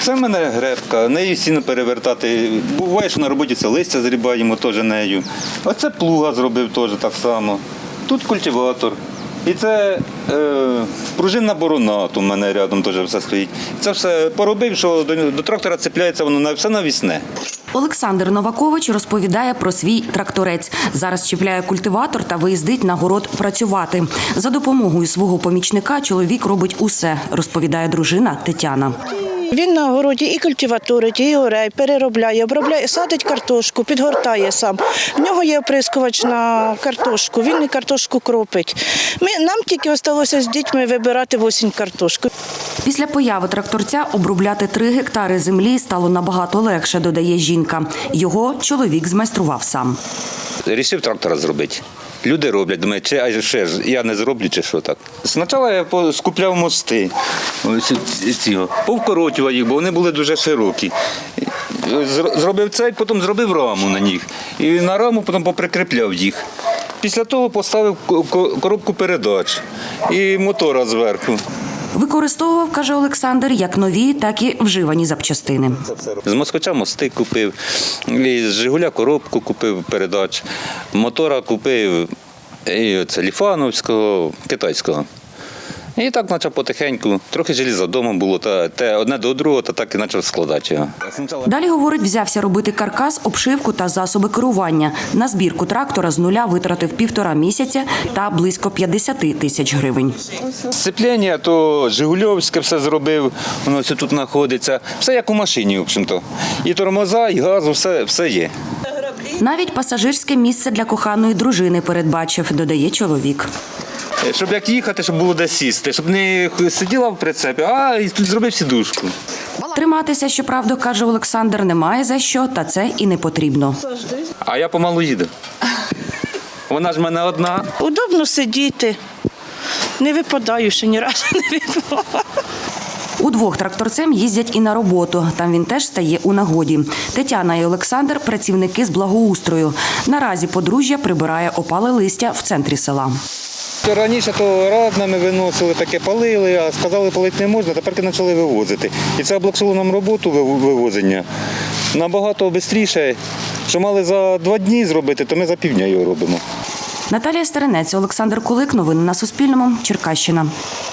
Це в мене гребка, нею сіно перевертати. Буває, що на роботі це листя зрібаємо теж нею. Оце плуга зробив теж так само. Тут культиватор. І це пружинна борона, у мене рядом теж все стоїть. Це все поробив, що до трактора цепляється воно все навісне. Олександр Новакович розповідає про свій тракторець. Зараз чіпляє культиватор та виїздить на город працювати. За допомогою свого помічника чоловік робить усе, розповідає дружина Тетяна. Він на городі і культиваторить, і орей, переробляє, обробляє, садить картошку, підгортає сам. В нього є оприскувач на картошку, він і картошку кропить. Нам тільки залишилося з дітьми вибирати в осінь картошку. Після появи тракторця обробляти 3 гектари землі стало набагато легше, додає жінка. Його чоловік змайстрував сам. Рішив трактора зробити. Люди роблять, думають, чи ще ж я не зроблю, чи що так. Спочатку я скупляв мости, повкоротював їх, бо вони були дуже широкі. Зробив цей, потім зробив раму на них. І на раму потім поприкріпляв їх. Після того поставив коробку передач і мотора зверху. Використовував, каже Олександр, як нові, так і вживані запчастини. З москвича мости купив, з «Жигуля» коробку купив передач, мотора купив і це ліфановського, китайського. І так почав потихеньку, трохи желіза вдома було, те одне до другого, та так і почав складати його. Далі, говорить, взявся робити каркас, обшивку та засоби керування. На збірку трактора з нуля витратив 1,5 місяця та близько 50 тисяч гривень. Сцеплення, то «Жигульовське» все зробив, воно все тут знаходиться. Все як у машині, в общем-то. І тормоза, і газу, все є. Навіть пасажирське місце для коханої дружини передбачив, додає чоловік. Щоб як їхати, щоб було де сісти, щоб не сиділа в прицепі, а і тут зробив сідушку. Триматися, щоправда, каже Олександр, немає за що, та це і не потрібно. А я помалу їду. Вона ж в мене одна. Удобно сидіти, не випадаю ще ні разу не випадала. Удвох тракторцем їздять і на роботу. Там він теж стає у нагоді. Тетяна і Олександр – працівники з благоустрою. Наразі подружжя прибирає опале листя в центрі села. Раніше то раднами виносили, таке палили, а сказали, палити не можна, тепер почали вивозити. І це облегшило нам роботу вивозення набагато швидше. Що мали за 2 дні зробити, то ми за півдня його робимо. Наталія Стеренець, Олександр Кулик. Новини на Суспільному. Черкащина.